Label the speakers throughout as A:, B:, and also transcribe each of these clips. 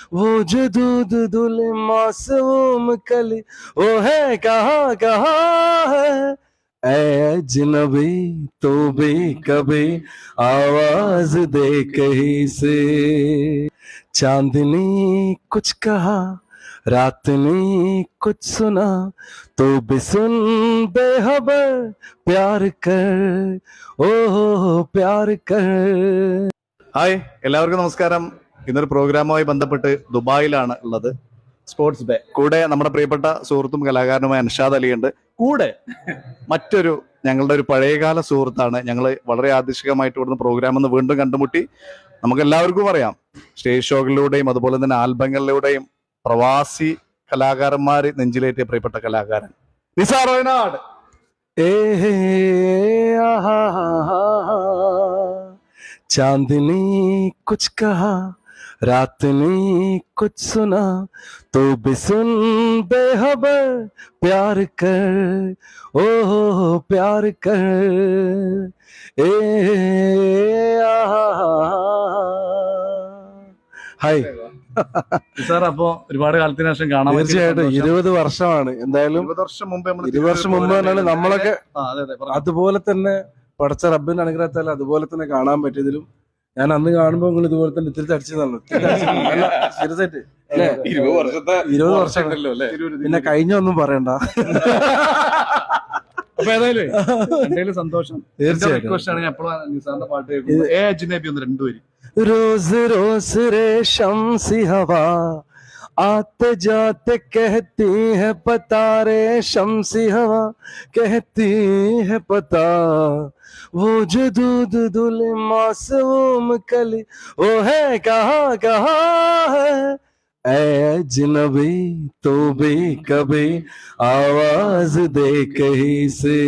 A: वो जो दूध धुले मासूम कली वो है कहाँ कहाँ है ऐ अजनबी तो भी कभी आवाज दे कहीं से चांदनी कुछ कहा रात ने कुछ सुना तो भी सुन बेखबर प्यार कर ओ प्यार कर.
B: ഹായ്, എല്ലാവർക്കും നമസ്കാരം. ഇന്നൊരു പ്രോഗ്രാമുമായി ബന്ധപ്പെട്ട് ദുബായിലാണ് ഉള്ളത്. Sports day. കൂടെ നമ്മുടെ പ്രിയപ്പെട്ട സുഹൃത്തും കലാകാരനുമായ അൻഷാദ് അലിയുണ്ട്. കൂടെ മറ്റൊരു ഞങ്ങളുടെ ഒരു പഴയകാല സുഹൃത്താണ്. ഞങ്ങൾ വളരെ ആകർഷകമായിട്ട് ഇവിടുന്ന് പ്രോഗ്രാം ഒന്ന് വീണ്ടും കണ്ടുമുട്ടി. നമുക്ക് എല്ലാവർക്കും അറിയാം, സ്റ്റേജ് ഷോകളിലൂടെയും അതുപോലെ തന്നെ ആൽബങ്ങളിലൂടെയും പ്രവാസി കലാകാരന്മാര് നെഞ്ചിലേറ്റിയ പ്രിയപ്പെട്ട കലാകാരൻ നിസാർ വയനാട്.
A: चांदनी कुछ कहा रात ने कुछ सुना तो भी सुन बेखबर प्यार कर ओ प्यार कर ए ഹായ്.
B: നിസാർ, അപ്പോ ഒരുപാട് കാലത്തിന് ശേഷം കാണാൻ
A: തീർച്ചയായിട്ടും 20 വർഷമാണ്. എന്തായാലും
B: 20 വർഷം മുമ്പ്
A: 20 വർഷം മുമ്പ് തന്നെയാണ് നമ്മളൊക്കെ അതുപോലെ തന്നെ പടച്ച റബ്ബിന്റെ അനുഗ്രഹത്താൽ അതുപോലെ തന്നെ കാണാൻ പറ്റിയതിലും ഞാൻ അന്ന് കാണുമ്പോ നിങ്ങൾ ഇതുപോലെ തന്നെ ഇത്തിരി അടിച്ചതാണ്. സീരിയസ് ആയിട്ട് 20 വർഷം പിന്നെ കഴിഞ്ഞ ഒന്നും പറയണ്ട.
B: അപ്പൊ ഏതായാലും സന്തോഷം.
A: തീർച്ചയായിട്ടും.
B: ഞാൻ എപ്പോഴും നിസാറിന്റെ പാട്ട് കേൾക്കുന്നത് എ അജ്നബി ഒന്ന് രണ്ടുപേരും.
A: रोज रोज रेशम सी हवा आते जाते कहती है पता रेशम सी हवा कहती है पता वो जो दूध धुले मासूम कली वो है कहाँ कहाँ है ऐ अजनबी तो भी कभी आवाज दे कहीं से.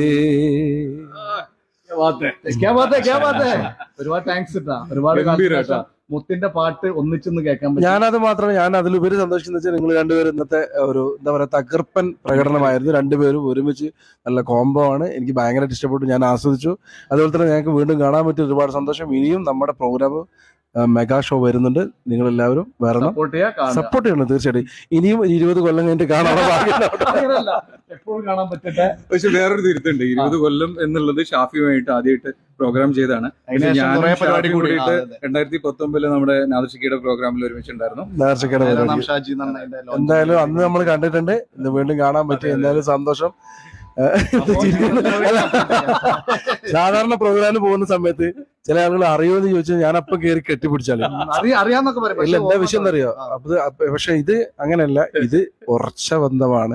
B: ഒരുപാട് താങ്ക്സ് കേട്ടാ. ഒരുപാട് മുത്തിന്റെ പാട്ട് ഒന്നിച്ചൊന്ന് കേൾക്കാൻ പറ്റും.
A: ഞാനത് മാത്രമല്ല, ഞാൻ അതിലുപരി സന്തോഷിക്കുന്ന വെച്ചാൽ നിങ്ങൾ രണ്ടുപേരും ഇന്നത്തെ ഒരു എന്താ പറയാ തകർപ്പൻ പ്രകടനമായിരുന്നു. രണ്ടുപേരും ഒരുമിച്ച് നല്ല കോംബോ ആണ്. എനിക്ക് ഭയങ്കരമായിട്ട് ഇഷ്ടപ്പെട്ടു, ഞാൻ ആസ്വദിച്ചു. അതുപോലെ തന്നെ ഞങ്ങൾക്ക് വീണ്ടും കാണാൻ പറ്റിയ ഒരുപാട് സന്തോഷം. ഇനിയും നമ്മുടെ പ്രോഗ്രാം മെഗാ ഷോ വരുന്നുണ്ട്. നിങ്ങൾ എല്ലാവരും വരണം, സപ്പോർട്ട് ചെയ്യണം. തീർച്ചയായിട്ടും ഇനിയും 20 കൊല്ലം കഴിഞ്ഞിട്ട്
B: എപ്പോഴും കാണാൻ പറ്റട്ടെ.
C: പക്ഷെ വേറൊരു തിരുത്തുണ്ട്. 20 കൊല്ലം എന്നുള്ളത് ഷാഫിയുമായിട്ട് ആദ്യമായിട്ട് പ്രോഗ്രാം ചെയ്താണ്. ഞാൻ 2019 നമ്മുടെ നാദർഷിക്കയുടെ പ്രോഗ്രാമിൽ ഒരുമിച്ചുണ്ടായിരുന്നു.
A: എന്തായാലും അന്ന് നമ്മൾ കണ്ടിട്ടുണ്ട്, ഇന്ന് വീണ്ടും കാണാൻ പറ്റി. എന്തായാലും സന്തോഷം. സാധാരണ പ്രോഗ്രാമിന് പോകുന്ന സമയത്ത് ചില ആളുകൾ അറിയുമെന്ന് ചോദിച്ചാൽ ഞാൻ അപ്പം കയറി കെട്ടിപ്പിടിച്ചാല്
B: അറിയാന്നൊക്കെ പറയും.
A: ഇല്ല, എന്താ വിഷയം എന്നറിയോ? പക്ഷെ ഇത് അങ്ങനെയല്ല, ഇത് ഉറച്ച ബന്ധമാണ്.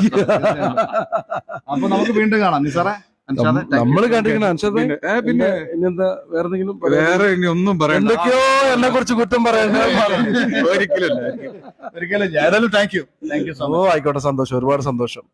B: അപ്പൊ നമുക്ക് വീണ്ടും കാണാം നിസാറേ.
A: നമ്മള് കണ്ടിരിക്കണം അൻഷാദ്. പിന്നെ ഇനിയെന്താ വേറെ എന്തെങ്കിലും?
C: വേറെ ഇനി ഒന്നും പറയാം.
A: എന്തൊക്കെയോ എന്നെ കുറിച്ച് കുറ്റം പറയാൻ
B: ഒരിക്കലും. ഏതായാലും താങ്ക് യു.
A: ഓ ആയിക്കോട്ടെ, സന്തോഷം, ഒരുപാട് സന്തോഷം.